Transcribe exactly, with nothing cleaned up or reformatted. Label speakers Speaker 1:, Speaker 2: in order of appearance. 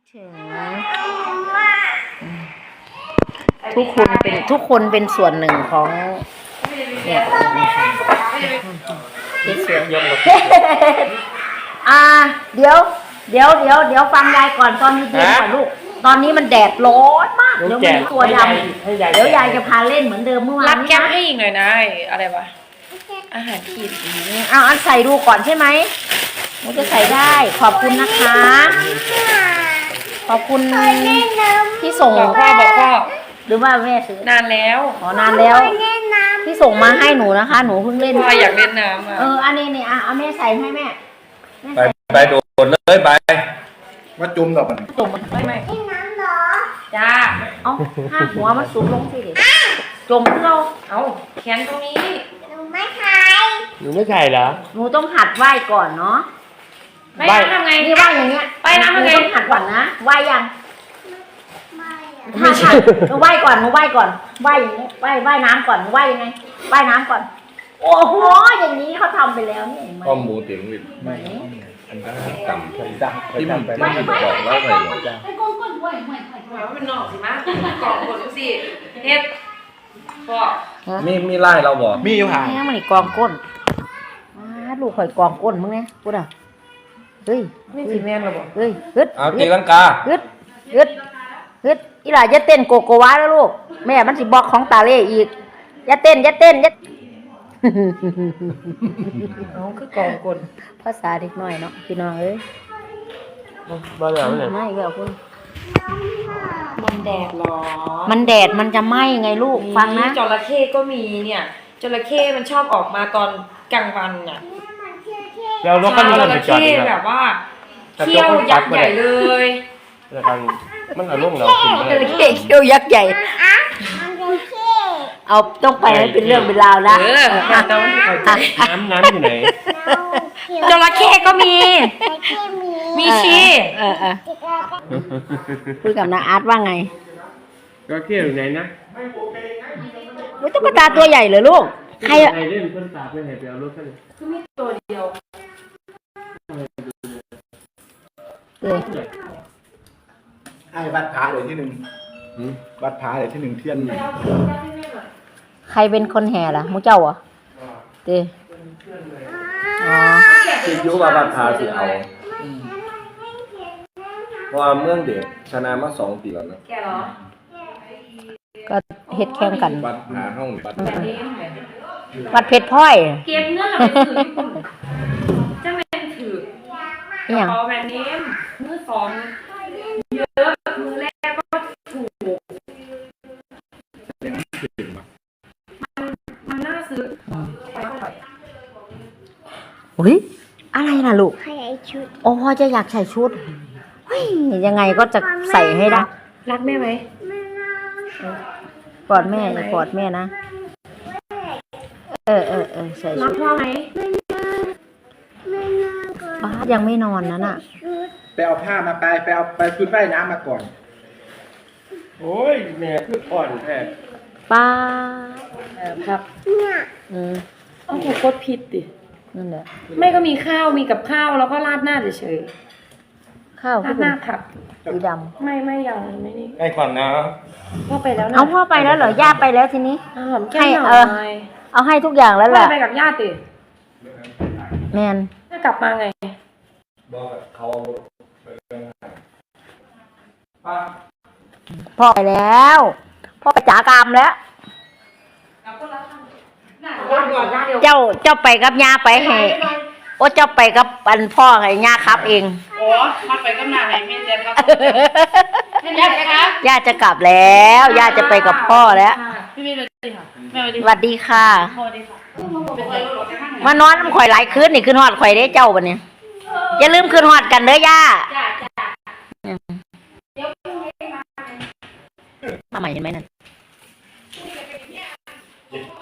Speaker 1: ถึงทุกคนเป็นทุกคนเป็นส่วนหนึ่งของเนี่ยสวยอ่าเดี๋ยวเดี๋ยวเดี๋ยวเดี๋ยวฟังยายก่อนตอนนี้เย็นก่อนลูกตอนนี้มันแดดร้อนมากเดี๋ยวมีตัวดำเดี๋ยวยายจะพาเล่นเหมือนเดิมเมื่อวานนี้นะรับแก้มให้อีกหน่อยนะอะไรวะอาหารขีดเอาอันใส่ดูก่อนใช่ไหมมันจะใส่ได้ขอบคุณนะคะขอบคุณที่ส่งพ่อบอกพ่อหรือว่าแม่ซื้อนานแล้วอ๋อนานแล้วที่ส่งมาให้หนูนะคะหนูเพิ่งเล่นพ่ออยากเล่นน้ำอ่ะเอออันนี้นี่อ่ะเอาแม่ใส่ให้แม่
Speaker 2: ไปไปโดดเลยไปมาจุ่มกับมัน
Speaker 1: จุ่มไม่ไม่น้ำหรอจ้าเอาห้าหัวมันสูงลงสิเด็กจุ่มเราเอาแขนตรงนี้หนูไม่ใช่
Speaker 3: หนูไม่ใช่เหรอ
Speaker 1: หนูต้องหัดไหว้ก่อนเนาะไหว้ทำไงนี่ไหว้อย่างเงี้ยไหว้น้ำทำไงต้องหัดก่อนนะไหว้ยังถ้าถ้าหนูไหว้ก่อนหนูไหว้ก่อนไหว้อย่างนี้ไหว้ไหว้น้ำก่อนหนูไหว้ยังไงไหว้น้ำก่อนโอ้โหอย่างนี้เขาทำไปแล้วนี่
Speaker 2: ข้อมูลเตียงวิทย์ไม่อันนั้นต่ำที่มันที่มันบอกแล้วไง
Speaker 1: ไอ้ก้นก้นไหว้ไหว้ไหว้ว่าเป็นนอกสิมะกล่องก้นสิเฮ็ดพ่อ
Speaker 2: มีมีไล่เราบอก
Speaker 3: มีอยู่ห่าง
Speaker 1: แม่มันกองก้นลูกข่อยกองก้นมึงเนี่ยพูดอ่ะเฮ้ยนี่สิแม่นเราบอกเฮ้ยฮึด
Speaker 2: เอาตีลังกา
Speaker 1: ฮึดฮึดฮึดอีหล่าจะเต้นโกโกวาแล้วลูกแม่มันสิบอกของตาเล่อีกอย่าเต้นอย่าเต้นอย่าน้องคือกองก้นภาษาเด็กน้อยเนาะพี่น้องเอ้ย
Speaker 3: บ้าแล้วเนี่ย
Speaker 1: ไม่แล้วคุณ
Speaker 4: มันแดดหรอ
Speaker 1: มันแดดมันจะไหม้ไงลูกฟังนะ
Speaker 4: จระเข้ก็มีเนี่ยจระเข้มันชอบออกมาตอนกลางวันน่ะ
Speaker 3: แล้วนกก็มี
Speaker 4: จระเข้แบบว่าเขี้ยวยักษ์ใหญ่เลย
Speaker 3: แล้วกันมันอารมณ์เรา
Speaker 1: จระเข้เขี้ยวยักษ์ใหญ่เอาต้องไปให้เป็นเรื่องเป็นราวนะ
Speaker 3: เออน้ำน้ำอยู่ไหน
Speaker 1: จระเข้ก็มีมีชีเออเออคุยกับน้าอาร์ตว่าไง
Speaker 3: จระเข้อยู่ไหนนะ
Speaker 1: มันตุ๊กตาตัวใหญ่เลยลูก
Speaker 3: ใครเล่นต้นตาไม่เห็นไปเอารถกัน
Speaker 4: คือมีตัวเดียว
Speaker 1: เลย
Speaker 2: ไอ้วัดผาเลยที่หนึ่งวัดผาเลยที่หนึ่งเทียน
Speaker 1: ใครเป็นคนแห่ล่ะมูเจ้าอ่ะเต้อ๋อ
Speaker 2: คิดยุว่าวัดผาสิเอาเพราะเมืองเด็กชนะมาสองปีแล้วนะ
Speaker 4: แกเหรอ
Speaker 1: ก็เฮ็ดแข่งกัน
Speaker 2: วัดผาห้องวัด
Speaker 1: วัดเพชรพ้อย
Speaker 4: เก็บเงินเราไปถือจะเป็นถือ
Speaker 1: อย่าง
Speaker 4: พอแบรนด์เนมมือสองเยอะมือแรกก็ถูกมันมันน่าซื้อ
Speaker 1: อุ้ยอะไรล่ะลูกโอ้พ่อจะอยากใส่ชุดเฮ้ยยังไงก็จะใส่ให้ได้
Speaker 4: รักแม่ไหม
Speaker 1: กอดแม่กอดแม่นะเออเออเออใส่ชุด
Speaker 4: รักพ่อไหม
Speaker 1: ป้ายังไม่นอนนั่นน่ะ
Speaker 2: ไปเอาผ้ามาไปไปเอาไปชุดว่ายน้ำมาก่อน
Speaker 3: โอ้ยแม่คืออ่อนแท้
Speaker 1: ป้า
Speaker 4: ครับเนี่ย
Speaker 1: อืม
Speaker 4: เอาถูกกดผิดดิ
Speaker 1: นั่นแหละ
Speaker 4: ไม่ก็มีข้าวมีกับข้าวแล้วก็ราดหน้าเฉย
Speaker 1: ๆข้าว
Speaker 4: ราดหน้าผัก
Speaker 1: สีดำ
Speaker 4: ไม่ไม่ยังไม่นี่
Speaker 2: ไอ้ก่อนนะ
Speaker 4: พ่อไปแล้วนะ
Speaker 1: เอาพ่อไปแล้วเหรอย่าไปแล้วทีนี้
Speaker 4: หอมแก้มหน่อย
Speaker 1: เอาให้ทุกอย่างแล้วแหละ
Speaker 4: ไปกับญาติดิ
Speaker 1: แมน
Speaker 4: จะกลับมาไง
Speaker 2: บอกเขา
Speaker 1: พ่อไปแล้วพ่อไปจ๋ากรรมแล้วเจ้าเจ้าไปกับย่าไปให้โอ้เจ้าไปกับปันพ่อให้ย่าครับเอง
Speaker 4: โอ้มาไปกับน้าให้แม่เจ็บครับย่าไปครับ
Speaker 1: ย่าจะกลับแล้วย่าจะไปกับพ่อแล้ว
Speaker 4: พี่มีเลยค่ะแม่
Speaker 1: สวัสดีค่ะมานอนข่อยหลายคืนนี่คืนหอดข่อยได้เจ้าบัดนี้อย่าลืมคืนหอดกันเด้อย่ามาใหม่เห็นไหมนั่น